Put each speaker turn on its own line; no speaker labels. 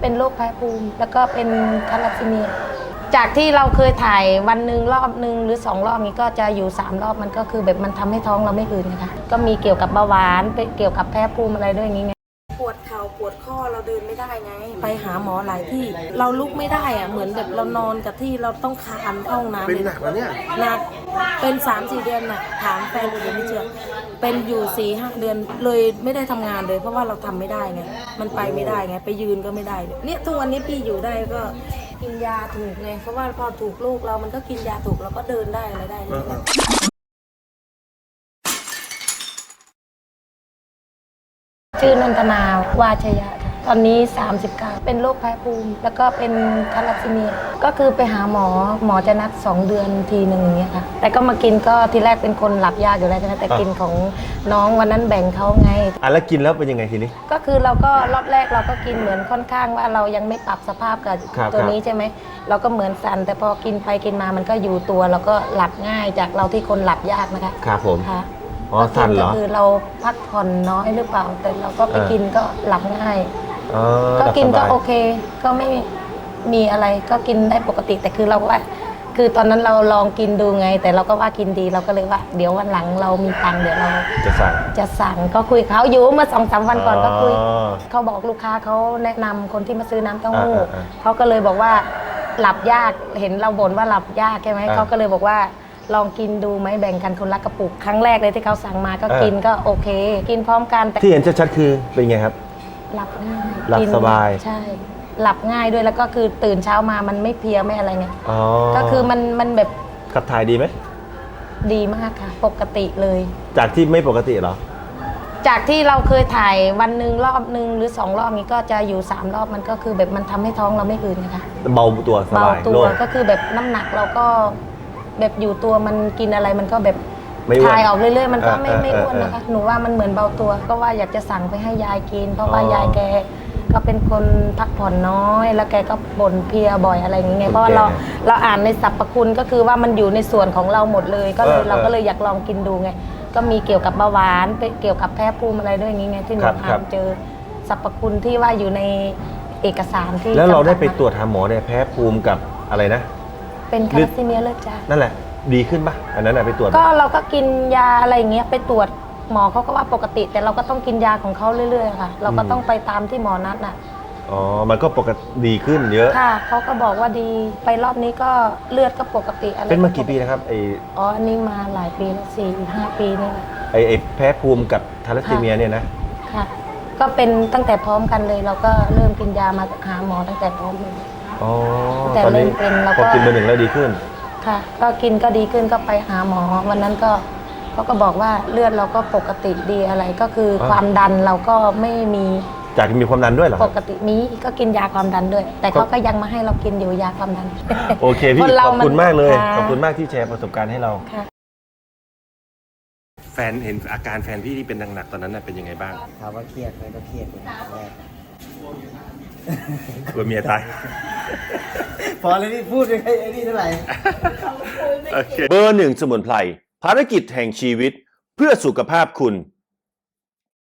เป็นโรคแพ้ภูมิแล้วก็เป็นทาลัสซีเมียจากที่เราเคยถ่ายวันหนึ่งรอบหนึ่งหรือ2 รอบนี้ก็จะอยู่3 รอบมันก็คือแบบมันทำให้ท้องเราไม่อืดนะคะก็มีเกี่ยวกับเบาหวานเกี่ยวกับแพ้ภูมิอะไรด้วยอย่างงี้ไงปวดเข่าปวดข้อเราเดินไม่ได้ไงไปหาหมอหลายที่เราลุกไม่ได้อะเหมือนแบบเรานอนกับที่เราต้องคานเข้าห้องน้ำ
เป็นหนักแล้วเนี่ย
หนักเป็น3-4 เดือนน่ะถามแฟนดูไม่เชื่อเป็นอยู่4-5 เดือนเลยไม่ได้ทำงานเลยเพราะว่าเราทำไม่ได้ไงมันไปไม่ได้ไงไปยืนก็ไม่ได้เนี่ยทุกวันนี้พี่อยู่ได้ก็กินยาถูกไงเพราะว่าพอถูกลูกเรามันก็กินยาถูกเราก็เดินได้อะไรได้เลยชื่อนันทนาวาชยะค่ะตอนนี้39เป็นโรคแพ้ภูมิแล้วก็เป็นทาลัสซีเมียก็คือไปหาหมอจะนัด2 เดือนทีหนึ่งอย่างเงี้ยค่ะแต่ก็มากินก็ทีแรกเป็นคนหลับยากอยู่แล้วใช่ไหมแต่กินของน้องวันนั้นแบ่งเขาไง
แล้วกินแล้วเป็นยังไงทีนี้
ก็คือเราก็รอบแรกเราก็กินเหมือนค่อนข้างว่าเรายังไม่ปรับสภาพกับตัวนี้ใช่ไหมเราก็เหมือนสั่นแต่พอกินไปกินมามันก็อยู่ตัวเราก็หลับง่ายจากเราที่คนหลับยากนะคะ
ครับผม
ค่ะ
อ๋อสั่นเหรอ
คือเราพักผ่อนน้อยหรือเปล่าแต่เราก็ไปกินก็หลับง่ายก็กินก็โอเคก็ไม่มีอะไรก็กินได้ปกติแต่คือเราว่าคือตอนนั้นเราลองกินดูไงแต่เราก็ว่ากินดีเราก็เลยว่าเดี๋ยววันหลังเรามีตังค์เดี๋ยวเราจะสั่งก็คุยเขาอยู่เมื่อ2-3 วันก่อนก็คุยเขาบอกลูกค้าเขาแนะนำคนที่มาซื้อน้ำเต้าหู้เขาก็เลยบอกว่าหลับยากเห็นเราบ่นว่าหลับยากใช่ไหมเขาก็เลยบอกว่าลองกินดูไหมแบ่งกันคนละกระปุกครั้งแรกเลยที่เขาสั่งมาก็กินก็โอเคกินพร้อมกันแต่
ที่เห็นชัดๆคือเป็นไงครับ
หลับง่าย
หลับสบาย
ใช่หลับง่ายด้วยแล้วก็คือตื่นเช้ามามันไม่เพลียไม่อะไรไงก็คือมันแบบ
ขับถ่ายดีไหม
ดีมากค่ะปกติเลย
จากที่ไม่ปกติเหรอ
จากที่เราเคยถ่ายวันหนึ่งรอบหนึ่งหรือ2 รอบนี้ก็จะอยู่3 รอบมันก็คือแบบมันทำให้ท้องเราไม่อืดนะคะ
เบาตัวสบาย
เบาตัวก็คือแบบน้ำหนักเราก็แบบอยู่ตัวมันกินอะไรมันก็แบบถ่ายออกเรื่อยๆมันก็ไม่อ้วนนะคะหนูว่ามันเหมือนเบาตัวก็ว่าอยากจะสั่งไปให้ยายกินเพราะว่ายายแกก็เป็นคนพักผ่อนน้อยแล้วแกก็บ่นเพลียบ่อยอะไรอย่างเงี้ยเพราะว่าเราอ่านในสรรพคุณก็คือว่ามันอยู่ในส่วนของเราหมดเลยก็เลยเราก็เลยอยากลองกินดูไงก็มีเกี่ยวกับเบาหวานเกี่ยวกับแพ้ภูมิอะไรด้วยอย่างเงี้ยที่หนูอ่านเจอสรรพคุณที่ว่าอยู่ในเอกสารที่
แล้วเราได้ไปตรวจหาหมอเนี่ยแพ้ภูมิกับอะไรนะ
เป็นทาลัสซีเมียเลือดจาง
นั่นแหละดีขึ้นปะอันนั้นไปตรวจ
ก็เราก็กินยาอะไรอย่างเงี้ยไปตรวจหมอเขาก็ว่าปกติแต่เราก็ต้องกินยาของเขาเรื่อยๆค่ะเราก็ต้องไปตามที่หมอนัดน่ะ
อ๋อมันก็ปกติดีขึ้นเยอะ
ค่ะเขาก็บอกว่าดีไปรอบนี้ก็เลือดก็ปกติอะไร
เป็นมากี่ปีนะครับ
อันนี้มาหลายปีแล้ว4-5 ปีนี่แหละ
แพ้ภูมิกับทาลัสซีเมียเนี่ยนะ
ค่ะก็เป็นตั้งแต่พร้อมกันเลยเราก็เริ่มกินยามาหาหมอตั้งแต่พร้อมเลย
แต่เริ่มเป็นเราก็กินเบอร์ 1แล้วดีขึ้น
ค่ะก็กินก็ดีขึ้นก็ไปหาหมอวันนั้นก็เขาก็บอกว่าเลือดเราก็ปกติดีอะไรก็คือความดันเราก็ไม่มี
จากมีความดันด้วยเหรอ
ปกติมีก็กินยาความดันด้วยแต่เขาก็ยังมาให้เรากินอยู่ยาความดัน
โอเคพี่ขอบคุณมากเลยขอบคุณมากที่แชร์ประสบการณ์ให้เราแฟนเห็นอาการแฟนพี่ที่เป็นหนักๆตอนนั้นเป็นยังไงบ้าง
ถามว่าเครียดไหมก็เครียดแรก
กลัวเมียตาย
พอเลยนี่พูดยังไงไอ้นี่เท่าไหร่
เบอร์ 1สมุนไพรภารกิจแห่งชีวิตเพื่อสุขภาพคุณ